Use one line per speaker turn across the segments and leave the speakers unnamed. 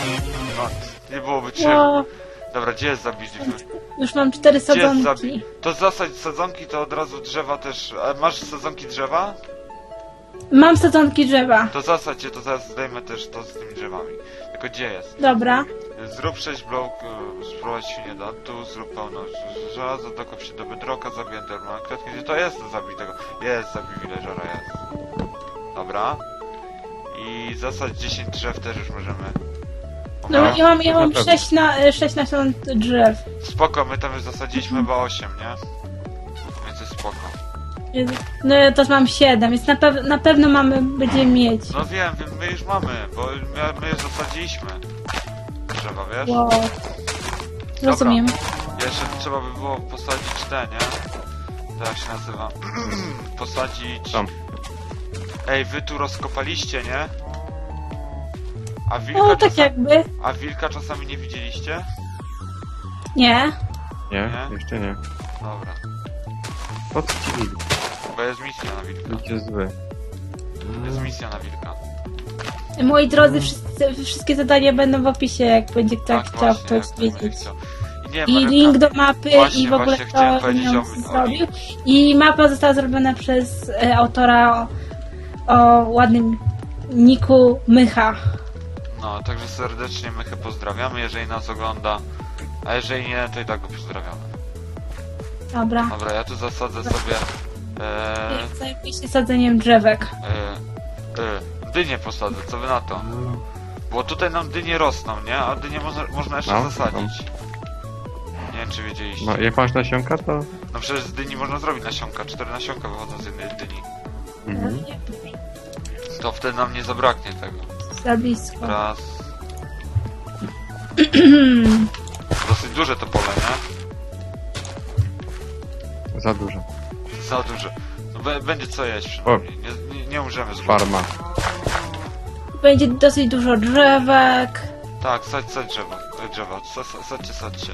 No, nie byłoby czym.
Wow,
Dobra, gdzie jest zabić?
już mam 4
Gdzie jest
sadzonki.
To zasadź sadzonki, to od razu drzewa też. A masz sadzonki drzewa?
Mam sadzonki drzewa.
To zasadź je, to zaraz zdejmę też to z tymi drzewami. Tylko gdzie jest?
Dobra.
Zrób 6 blok, sprowadź świnię do tu, zrób pełno żelaza, dokop się do bedroka, zabij endermana klatki. Gdzie to jest? Zabij tego. Jest, zabij villagera, jest. Dobra. I zasadź 10 drzew też już możemy.
No
Dobra.
ja mam 6 nasion drzew.
Spoko, my tam już zasadziliśmy chyba 8, nie? Więc jest spoko.
No ja też mam 7, więc na pewno będziemy mieć.
No wiem, my już mamy, bo my już zasadziliśmy drzewa, wiesz?
Wow. Rozumiem.
Jeszcze trzeba by było posadzić te, nie? To jak się nazywa? Posadzić...
Tam.
Ej, wy tu rozkopaliście, nie? A wilka,
No tak jakby.
A wilka czasami nie widzieliście?
Nie.
Nie,
Nie?
jeszcze nie.
Dobra.
Po co ci wilk?
Bo jest misja na wilka.
Wilk jest zły.
Jest misja na wilka.
Moi drodzy, wszystkie zadania będą w opisie, jak będzie ktoś
Tak,
chciał
właśnie,
ktoś
jak ktoś będzie
wiedzieć.
chciał. I nie,
I
Marionka,
link do mapy
Właśnie,
i w ogóle
właśnie chciałem
kto
powiedzieć
ją
o
zrobił. I mapa została zrobiona przez autora o ładnym niku Mycha.
No, także serdecznie Mychę pozdrawiamy, jeżeli nas ogląda. A jeżeli nie, to i tak go pozdrawiamy.
Dobra.
Dobra, ja tu zasadzę sobie...
Zajmij się sadzeniem drzewek.
dynie posadzę, co wy na to? Bo tutaj nam dynie rosną, nie? A dynie można jeszcze
No,
zasadzić. Nie wiem, czy wiedzieliście.
No, jak masz nasionka, to...
No przecież z dyni można zrobić nasionka. 4 nasionka wychodzą z jednej dyni.
Mhm.
To wtedy nam nie zabraknie tego.
Za blisko.
Raz. Dosyć duże to pole, nie?
Za dużo.
Za duże. No, będzie co jeść przynajmniej. Nie umrzemy z głodu.
Farma.
Będzie dosyć dużo drzewek.
Tak, sadź drzewo. Sadźcie.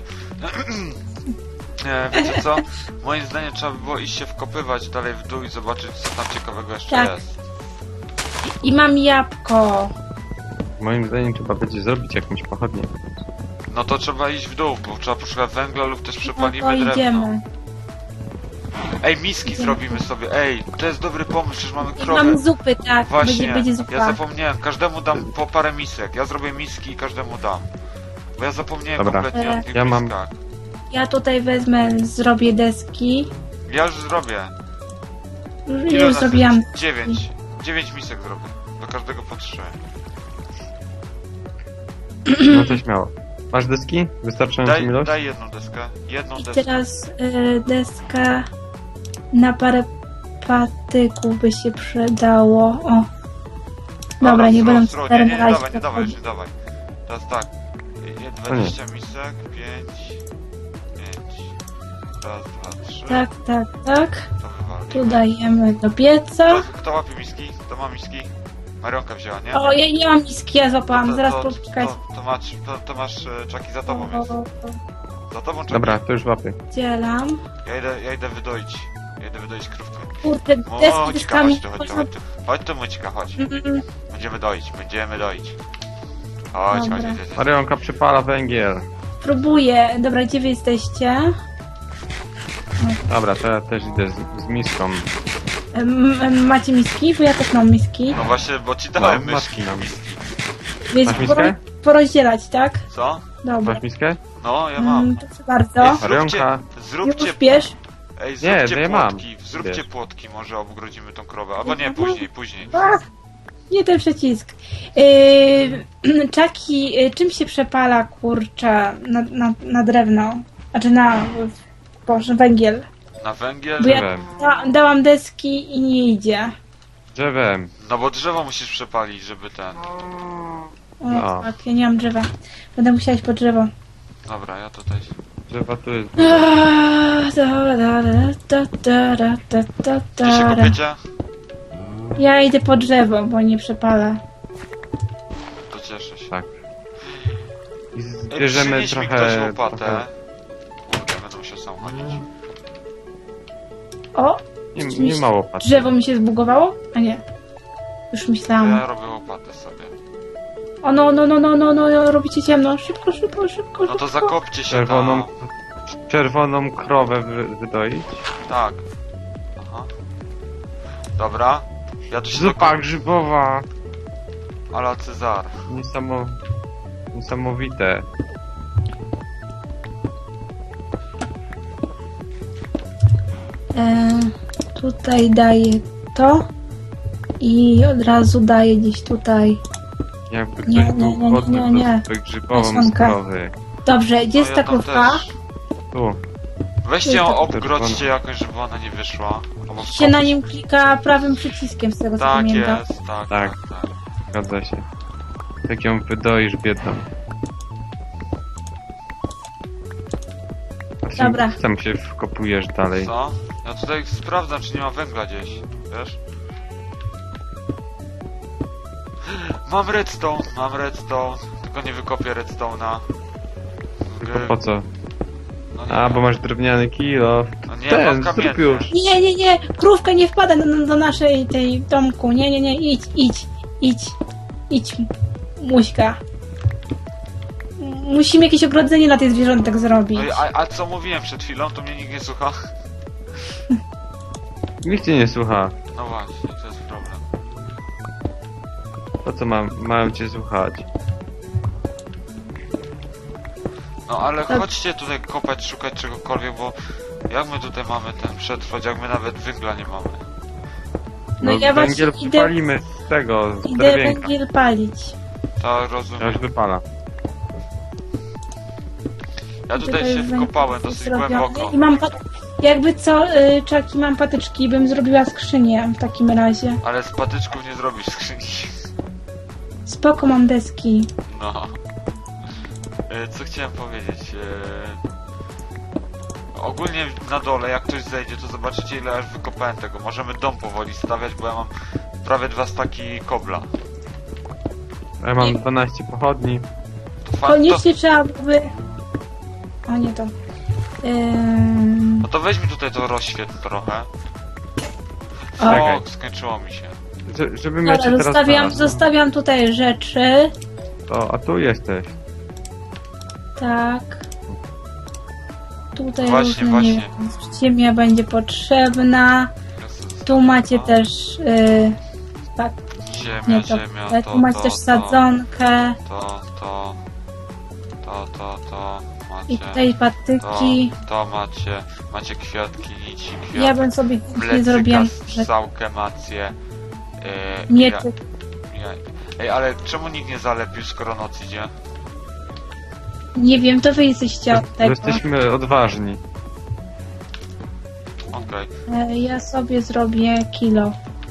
Wiecie co? Moim zdaniem trzeba by było iść się wkopywać dalej w dół i zobaczyć, co tam ciekawego jeszcze
Tak.
jest.
I mam jabłko.
Moim zdaniem trzeba będzie zrobić jakąś pochodnię.
No to trzeba iść w dół, bo trzeba poszukać węgla lub też
No
przepalimy
to
drewno.
idziemy.
Ej, miski zrobimy sobie. Ej, to jest dobry pomysł, przecież mamy
I
krowę.
mam zupy, tak.
Właśnie,
Będzie zupa.
ja zapomniałem, każdemu dam po parę misek. Ja zrobię miski i każdemu dam. Bo ja zapomniałem
Dobra.
kompletnie o tych
Ja mam-
miskach.
Ja tutaj wezmę, zrobię deski.
Ja już zrobię.
Już zrobiłam.
9. 9 misek zrobię. Do każdego po 3.
No to śmiało. Masz deski? Wystarczającą ilość?
Daj jedną deskę. Jedną
I
deskę.
teraz deska na parę patyków by się przydało. O. Dobra, nie będę
Nie,
teraz
nie,
na razie
nie dawaj,
podchodzić.
nie dawaj. Teraz tak. 20 misek, 5. Raz, dwa, 3.
Tak.
To wywali.
Tu dajemy do pieca.
Kto łapie miski? Kto ma miski? Marionka wzięła, nie?
O, ja nie mam miski, ja złapałam. Zaraz poczekać.
To masz czaki za tobą jest. Za tobą czaki.
Dobra, to już łapy.
Dzielam.
Ja idę wydoić. Ja idę wydoić krówkę.
Kurde, deski
Moćka,
deskami.
chodź tu. Chodź tu, Moćka, chodź.
Mm,
Będziemy doić. Chodź.
Dobra.
Marionka przypala węgiel.
Próbuję. Dobra, gdzie wy jesteście?
Dobra, to ja też idę z miską.
Macie miski? Bo ja też mam miski.
No właśnie, bo ci dałem
No,
myszki.
masz nam.
Więc
Masz miskę?
porozdzielać, tak?
Co?
Dobra.
Masz miskę?
No, ja mam.
Proszę bardzo.
Marionka.
Zróbcie...
Już bierz.
Ej,
Nie,
zróbcie
to ja mam.
płotki. Zróbcie
Wiesz.
płotki, może obgrodzimy tą krowę. Albo nie, później.
Ach, nie ten przycisk. Czaki, czym się przepala, kurczę, na drewno? Znaczy Boże, węgiel.
Na węgiel?
Bo ja
Drzewem.
dałam deski i nie idzie.
Drzewem.
No bo drzewo musisz przepalić, żeby ten...
O,
No.
tak, ja nie mam drzewa. Będę musiała iść po drzewo.
Dobra, ja tutaj...
Drzewa tu jest.
Gdzie się kopiecie?
Ja idę po drzewo, bo nie przepalę.
To cieszę się.
Tak. I
Ej,
zbierzemy
przynieś mi ktoś
trochę...
łopatę. Ja będę musiał sam chodzić.
O,
Nie ma łopaty.
drzewo mi się zbugowało? A nie. Już myślałam.
Ja robię łopatę sobie.
O no, robicie ciemno. Szybko, szybko, szybko,
No to
szybko.
zakopcie się
Czerwoną,
tam.
czerwoną krowę wydoić.
Tak. Aha. Dobra. Ja tu się
Zupa grzybowa.
Ala Cezar.
Niesamowite.
Tutaj daję to. I od razu daję gdzieś tutaj.
Jakby
Nie,
ktoś był
nie,
głodny,
nie, nie.
to zupę grzybową z
Nasionka.
krowy.
Dobrze, gdzie jest
No
ta
ja tam
krówka?
też.
Tu.
Weźcie ją,
Tak.
obgrodźcie jakoś, żeby ona nie wyszła. Albo
Się na nim klika prawym przyciskiem, z tego co
Tak
pamiętam.
jest, tak,
Tak.
tak, tak.
Zgadza się. Tak ją wydoisz biedną. A
Dobra.
Sam się wkopujesz dalej.
Co? Ja tutaj sprawdzam, czy nie ma węgla gdzieś, wiesz? Mam redstone, tylko nie wykopię redstone'a.
Tylko po co?
No nie,
A, bo masz drewniany kilo.
no nie,
Ten,
mam
zrób
kamienny.
już.
Nie, krówka nie wpada do naszej tej domku. Nie, idź, Muśka. Musimy jakieś ogrodzenie dla tych zwierzątek zrobić.
No i, a co mówiłem przed chwilą, to mnie nikt nie słucha.
Nikt cię nie słucha.
No właśnie, to jest problem.
Po co mają cię słuchać?
No ale
Tak.
chodźcie tutaj kopać, szukać czegokolwiek, bo jak my tutaj mamy ten przetrwać, jak my nawet węgla nie mamy?
No ja właśnie
węgiel
idę-
palimy z tego, z
Idę
drewienka.
węgiel palić.
To
Ja
rozumiem.
już wypala.
Ja tutaj się
węgiel
wkopałem
jest
dosyć
zrobiony.
głęboko.
I mam jakby co, Czaki, mam patyczki, bym zrobiła skrzynię w takim razie.
Ale z patyczków nie zrobisz skrzyni.
Spoko, mam deski.
No. Co chciałem powiedzieć? Ogólnie na dole, jak ktoś zejdzie, to zobaczycie ile aż wykopałem tego. Możemy dom powoli stawiać, bo ja mam prawie 2 staki kobla.
Ja mam 12 pochodni.
To
Koniecznie trzeba by... O, nie to.
No to weź mi tutaj to rozświetl trochę.
O,
Czekaj.
O, skończyło mi się.
Żebym ja cię
dobra,
teraz znalazł.
zostawiam tutaj rzeczy.
To, a tu jesteś.
Tak. Tutaj
Właśnie,
różne, nie wiem, ziemia będzie potrzebna. Tu macie też... tak,
Ziemia,
nie to.
ziemia,
Tu macie też sadzonkę.
To
I
macie.
tutaj patyki.
To macie. Macie kwiatki, nici, kwiatki.
Ja bym sobie nie
Plecyka,
zrobiłam.
strzałkę macie.
Mieczyk.
Ej, ale czemu nikt nie zalepił, skoro noc idzie?
Nie wiem, to wy jesteście od
Bo
tego.
jesteśmy odważni.
Okej.
Ja sobie zrobię kilo.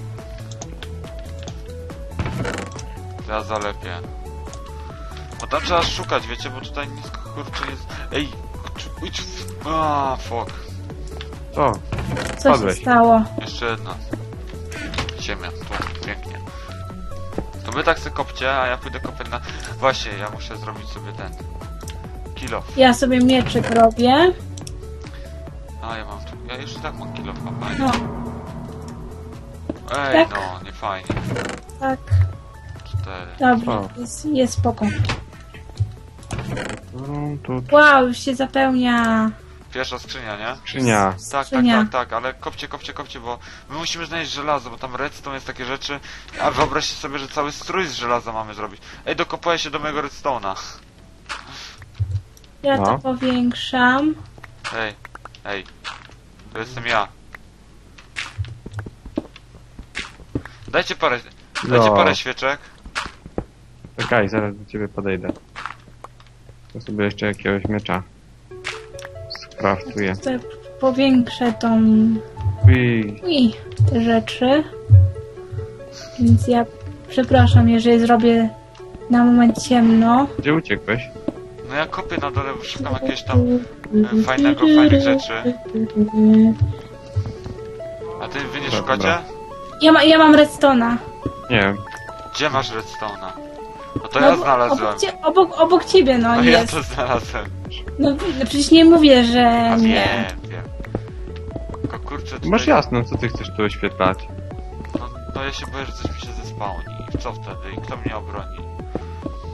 Ja zalepię. Bo tam trzeba szukać, wiecie, bo tutaj nic kurczę jest... Ej! Idź w... A, fuck.
O,
Co
Padłeś.
się stało?
Jeszcze jedna. Ziemia, tu, pięknie. To wy tak se kopcie, a ja pójdę kopać na... Właśnie, ja muszę zrobić sobie ten... Kilo.
Ja sobie mieczyk robię.
A, ja mam tu... Ja już i tak mam kilo, fajnie.
No,
Ej,
tak.
no, nie fajnie.
tak.
4.
Dobra,
O.
jest spoko.
tu
Wow, już się zapełnia.
Pierwsza skrzynia, nie?
skrzynia.
Tak,
Skrzynia.
tak, ale kopcie, bo my musimy znaleźć żelazo, bo tam redstone jest takie rzeczy, a wyobraźcie sobie, że cały strój z żelaza mamy zrobić. Ej, dokopuję się do mojego redstone'a.
Ja
No.
to powiększam.
Ej, to jestem ja. Dajcie parę świeczek.
Czekaj, zaraz do ciebie podejdę. To sobie jeszcze jakiegoś miecza skraftuję.
Tutaj powiększę tą...
Ui,
te rzeczy. Więc ja przepraszam, jeżeli zrobię na moment ciemno.
gdzie uciekłeś?
No ja kopię na dole, bo szukam jakiegoś tam fajnych rzeczy. A wy nie
Dobra.
szukacie?
Ja mam redstone'a.
Nie wiem.
Gdzie masz redstone'a? No to ja znalazłem.
Obok ciebie, no
No ja
jest.
to znalazłem.
No przecież nie mówię, że
A
nie.
wiem. Tylko kurczę tutaj...
Masz jasno, co ty chcesz tu oświetlać?
No ja się boję, że coś mi się zespałni. I co wtedy? I kto mnie obroni?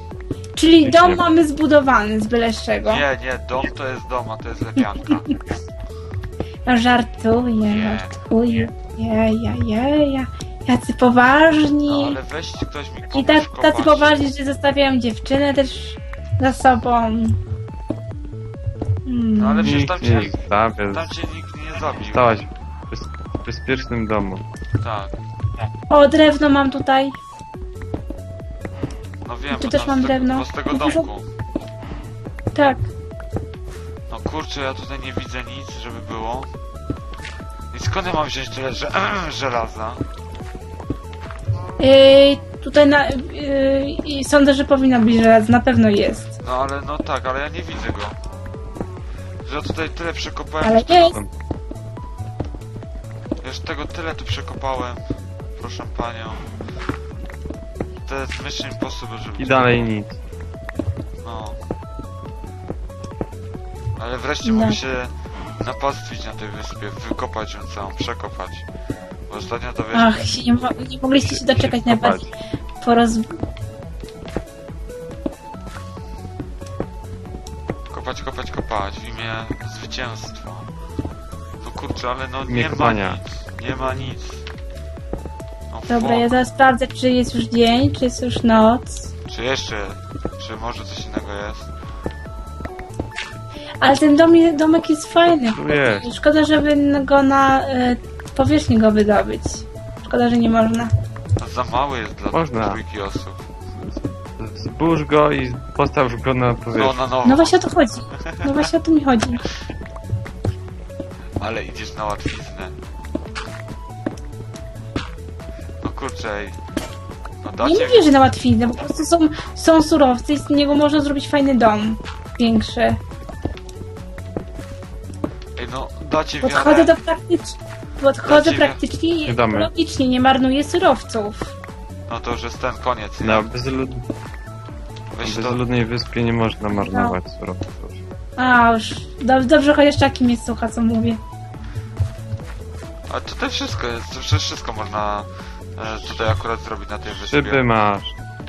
Czyli
Nic
dom
nie-
mamy zbudowany z byle z czego.
Nie, dom to jest dom, a to jest lepianka.
No żartuję,
Nie,
żartuję. Ja. Jacy poważni.
No ale weźcie ktoś mi
I
pomóż
tak,
kopać.
tacy poważni, że zostawiają dziewczynę też za sobą.
No ale przecież
Nikt
tam
nie
cię,
ich zabie.
tam cię nikt nie zabił.
Stałaś w bezpiecznym domu.
Tak.
O, drewno mam tutaj.
No wiem,
Tu
bo
też
tam
mam
z tego,
drewno.
bo z tego
No proszę-
domku.
Tak.
No kurczę, ja tutaj nie widzę nic, żeby było. I skąd ja mam wziąć tyle żelaza?
Tutaj sądzę, że powinno być żelaz, na pewno jest.
No ale no tak, ale ja nie widzę go. Że ja tutaj tyle przekopałem.
Ale
już tego-
jest.
Już tego tyle tu przekopałem. Proszę panią. To jest Mission Impossible, żeby...
I dalej nic.
No. Ale wreszcie
No.
mogę się napastwić na tej wyspie, wykopać ją całą, przekopać. Bo ostatnio to wiesz...
Ach, nie mogliście się doczekać najbardziej
Kopać w imię zwycięstwa. To kurczę, ale no
imię
nie ma
kopania.
nic. Nie ma nic. No
Dobra,
fuck.
ja zaraz sprawdzę, czy jest już dzień, czy jest już noc.
Czy jeszcze... Czy może coś innego jest?
Ale ten domek jest fajny.
Tu jest.
Szkoda, żeby go na powierzchni go wydobyć. Szkoda, że nie można.
To za mały jest dla
Można.
trójki osób.
Zbóż go i postaw go na
No
powierzchnię.
na nowo.
No właśnie o to chodzi. No właśnie o to mi chodzi.
Ale idziesz na łatwiznę. No kurczę, ej. No
Nie
dacie
mówię, że na łatwiznę, po prostu są surowce i z niego można zrobić fajny dom. Większy.
Ej, no dacie
Podchodzę
wiarę.
Podchodzę
Znaczy,
praktycznie i
nie damy.
ekologicznie, nie marnuję surowców.
No to już jest ten koniec, nie?
Na
Weź to...
bezludnej wyspie nie można marnować surowców.
A już, dobrze chociaż taki mnie słucha, co mówię.
A tutaj wszystko jest, to przecież wszystko można tutaj akurat zrobić na tej wyspie.
Szyby masz.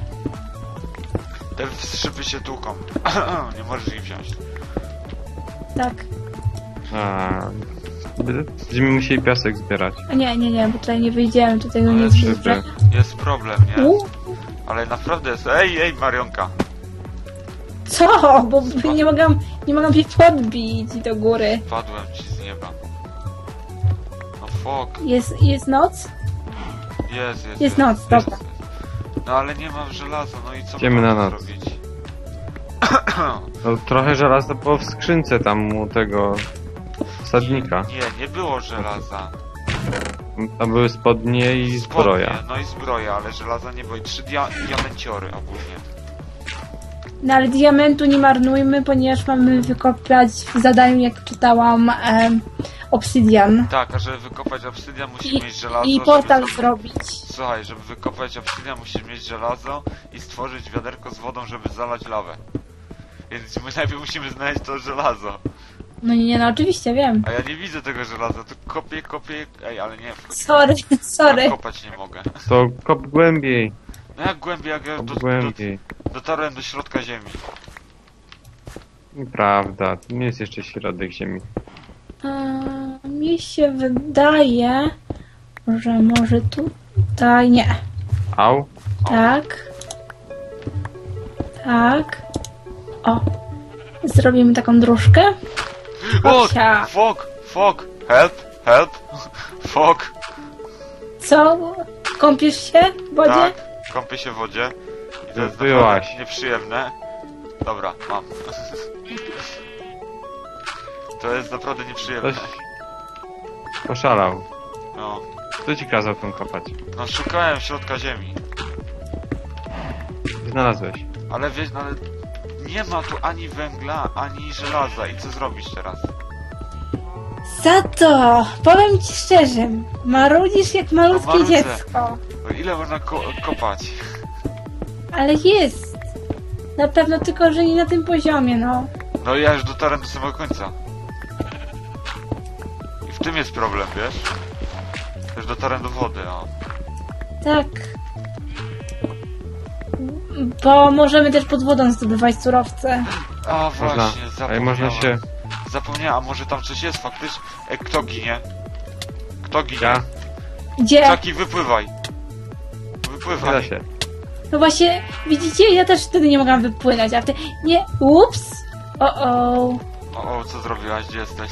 Te szyby się tłuką. Nie możesz ich wziąć.
Tak.
A, będziemy musieli piasek zbierać.
A nie, bo tutaj nie wyjdziemy, tutaj go nie
Ale
zbudzę.
Jest problem, nie? Ale naprawdę jest... Ej, Marionka!
Co? Bo nie mogę mnie podbić do góry.
Padłem ci z nieba. No fuck.
Jest noc? Jest noc, dobra.
No ale nie mam żelaza, no i co
Idziemy
mam
na noc.
zrobić?
No, trochę żelaza było w skrzynce tam u tego sadnika.
Nie było żelaza.
Tam były spodnie i zbroja.
Spodnie, no i zbroja, ale żelaza nie było. I 3 diamenciory ogólnie.
No ale diamentu nie marnujmy, ponieważ mamy wykopać w zadaniu, jak czytałam, obsydian.
Tak, a żeby wykopać obsydian musisz mieć żelazo.
I
żeby
portal
zrobić-
zrobić.
Słuchaj, żeby wykopać obsydian musisz mieć żelazo i stworzyć wiaderko z wodą, żeby zalać lawę. Więc my najpierw musimy znaleźć to żelazo.
No nie, no oczywiście, wiem.
A ja nie widzę tego żelaza, to kopię... Ej, ale nie,
Sorry.
kopać nie mogę.
To kop głębiej.
No jak głębiej, jak ja
Kop głębiej.
dotarłem do środka ziemi.
Nieprawda, to nie jest jeszcze środek ziemi.
Mi się wydaje, że może tutaj nie.
Au?
Tak. Tak. O. Zrobimy taką dróżkę.
O!
Osia.
Fuck! Help! Fuck!
Co? Kąpiesz się w wodzie?
Tak, kąpię się w wodzie. I to jest
Byłaś.
naprawdę nieprzyjemne. Dobra, mam. To jest naprawdę nieprzyjemne.
Ktoś poszalał.
No.
Kto ci kazał tą kopać?
No szukałem środka ziemi.
Znalazłeś.
Ale wiesz, no ale nie ma tu ani węgla, ani żelaza. I co zrobić teraz?
Za to, powiem ci szczerze, marudzisz jak malutkie
No, marudzę.
dziecko.
No, ile można kopać?
Ale jest. Na pewno tylko, że nie na tym poziomie, no.
No i ja już dotarłem do samego końca. I w tym jest problem, wiesz? Już dotarłem do wody, o.
Tak. Bo możemy też pod wodą zdobywać surowce.
A
Można.
właśnie,
Ale
zapomniałem.
można się...
Zapomniałem, a może tam coś jest faktycznie? Kto ginie? Kto ginie?
Ja?
Gdzie?
Czaki, wypływaj.
Nie
Wypływaj.
da się.
No właśnie, widzicie, ja też wtedy nie mogłam wypłynąć, a ty... Nie, ups! O,
O, co zrobiłaś? Gdzie jesteś?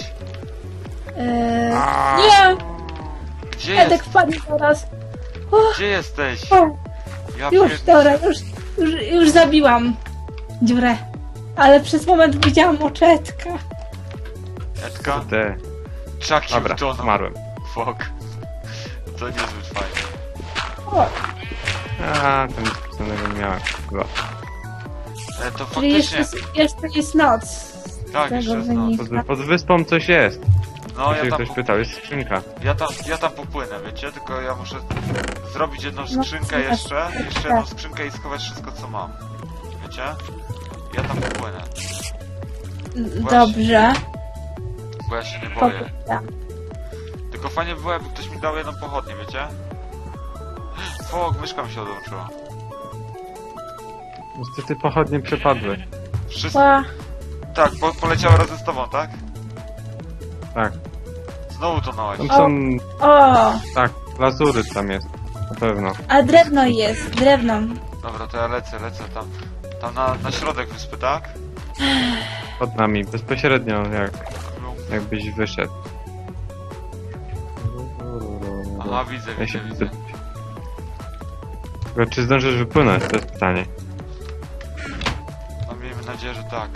Nie!
Gdzie
Edek
jest?
wpadnie zaraz.
Gdzie jesteś?
O,
Ja
już,
pier-
dobra, już zabiłam dziurę. Ale przez moment widziałam oczetka.
Edka?
Te.
Czaki
Dobra,
utonął.
zmarłem.
Fuck. To niezbyt fajne.
O,
A, to nic specjalnego nie miałem. Chyba.
To
czyli
faktycznie...
jeszcze jest noc.
Tak,
tego
jeszcze jest noc.
wynika.
Pod wyspą coś jest.
No,
Jeśli
ja tam,
ktoś pytał, jest skrzynka.
ja tam popłynę, wiecie? Tylko ja muszę zrobić jedną
No,
skrzynkę jeszcze jedną skrzynkę i schować wszystko, co mam. Wiecie? Ja tam popłynę,
Dobrze.
bo ja się nie boję.
Popytam.
Tylko fajnie by było, jakby ktoś mi dał jedną pochodnię, wiecie? Fuck, myszka mi się odłączyła.
Niestety pochodnie przepadły.
Wszystko...
Ła,
Tak, poleciała razem z tobą, tak?
Tak.
Znowu tonąłeś.
Tam są...
o,
Tak, lazury tam jest. Na pewno.
a drewno jest, drewno.
Dobra, to ja lecę tam. Tam na środek wyspy, tak?
Pod nami, bezpośrednio jakbyś wyszedł.
Aha, widzę,
Ja się
widzę.
Tylko czy zdążysz wypłynąć? To jest pytanie.
No miejmy nadzieję, że tak.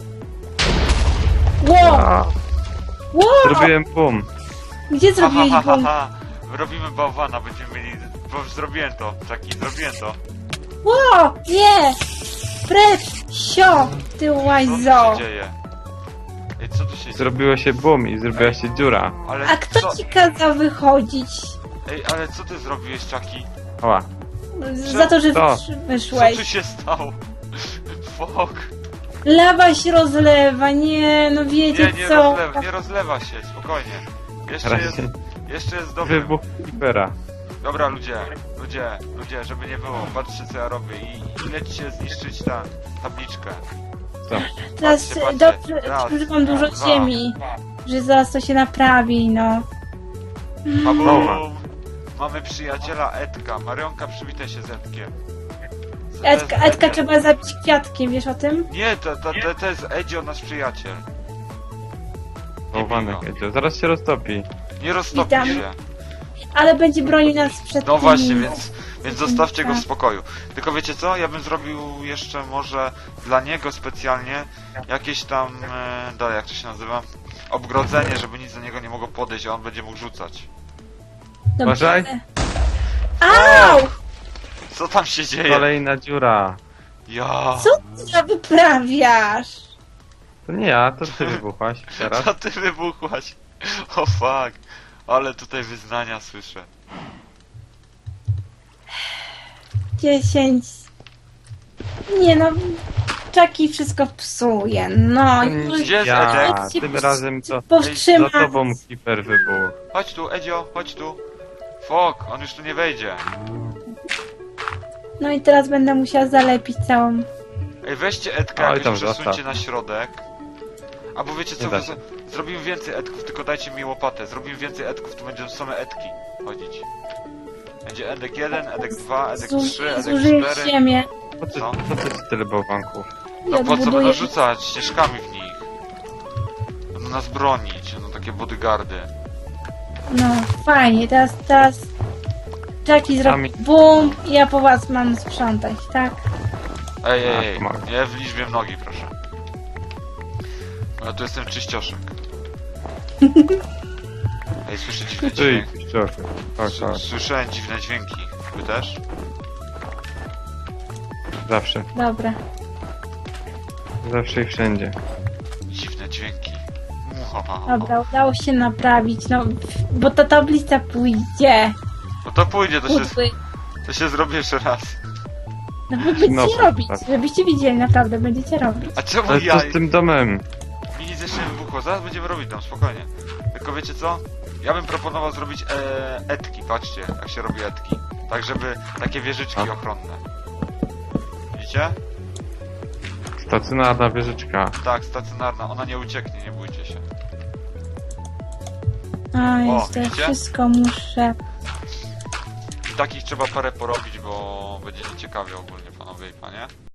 Ło,
A,
ło,
zrobiłem boom.
gdzie zrobiłeś bum?
Robimy bałwana, będziemy mieli... Bo zrobiłem to, Czaki, zrobiłem to.
Ło, nie! Precz, sio, ty
Co tu
łajzo.
się dzieje? Ej, co tu się dzieje?
Zrobiło się boom i zrobiła się dziura.
Ale
A kto
co...
ci kazał wychodzić?
Ej, ale co ty zrobiłeś, Czaki?
Oła.
Za to, że
Co?
Co
wyszłeś.
tu się stało? Fuck.
Lawa się rozlewa, nie, no wiecie co?
Nie rozlewa się, spokojnie. Jeszcze
Raz
jest,
się
jeszcze jest dobry.
wybuch Creepera.
Dobra, ludzie, żeby nie było, patrzcie co ja robię i lećcie zniszczyć tabliczkę.
Co?
Teraz
Patrzcie, patrzcie.
dobrze,
Raz,
że mam dużo
dwa.
ziemi. Że zaraz to się naprawi, no.
Babum! Mamy przyjaciela Edka. Marionka, przywitaj się z Edkiem.
Edka trzeba zabić kwiatkiem, wiesz o tym?
Nie, to jest Edzio, nasz przyjaciel.
Bałwanek
bij go.
jedzie. Zaraz się roztopi.
Nie roztopi
Witam.
się.
Ale będzie bronił nas przed
No
tymi-
właśnie, więc zostawcie go w
Tak.
spokoju. Tylko wiecie co? Ja bym zrobił jeszcze może dla niego specjalnie jakieś tam, dalej jak to się nazywa? Obgrodzenie, żeby nic do niego nie mogło podejść, a on będzie mógł rzucać.
Dobrze.
Uważaj.
Au!
Co tam się dzieje?
Kolejna dziura.
Ja.
Co ty wyprawiasz?
To nie ja, to ty wybuchłaś teraz.
Co ty wybuchłaś? O fuck. Ale tutaj wyznania słyszę.
10. Nie no, Czaki wszystko psuje, no.
Gdzie jest
Ja,
Edek?
tym razem to
Powstrzymać.
za tobą Creeper wybuchł.
Chodź tu, Edzio, chodź tu. Fuck, on już tu nie wejdzie.
No i teraz będę musiała zalepić całą...
Ej, weźcie Edka
Oj,
jakoś
tam
przesuńcie
zostaw.
na środek. Albo wiecie co,
Nie da się.
zrobimy więcej Edków, tylko dajcie mi łopatę. Zrobimy więcej Edków, tu będą same Edki chodzić. Będzie Edek 1, Edek 2, Edek 3, Edek
Zużyję
4.
ziemię
Po co ci tyle bałwanków?
i
No po co będą
odbuduję...
rzucać ścieżkami w nich? Będą nas bronić, no takie bodyguardy.
No, fajnie, teraz... Czaki zrobi
Sami-
bum i ja po was mam sprzątać, tak?
Ej,
pomogę.
nie w liczbie mnogi, proszę. Ja tu jestem czyścioszek. Ej, słyszę dziwne
Ty,
dźwięki.
ścioszek. Tak, tak.
Słyszałem dziwne dźwięki. Wy też?
Zawsze.
Dobra.
Zawsze i wszędzie.
Dziwne dźwięki.
Dobra, udało się naprawić, no, bo ta tablica pójdzie.
No to pójdzie,
Udły.
to się zrobi jeszcze raz.
No wy będziecie
No,
robić,
tak.
żebyście widzieli, naprawdę będziecie robić.
A czemu
Ale
ja?
co z tym domem?
Mi nic jeszcze nie wybuchło, zaraz będziemy robić tam, spokojnie. Tylko wiecie co? Ja bym proponował zrobić etki, patrzcie, jak się robi etki. Tak, żeby takie wieżyczki
A?
ochronne. Widzicie?
Stacjonarna wieżyczka.
Tak, stacjonarna, ona nie ucieknie, nie bójcie się.
A, jest to
widzicie?
wszystko muszę.
I takich trzeba parę porobić, bo będzie nieciekawie ogólnie, panowie i panie.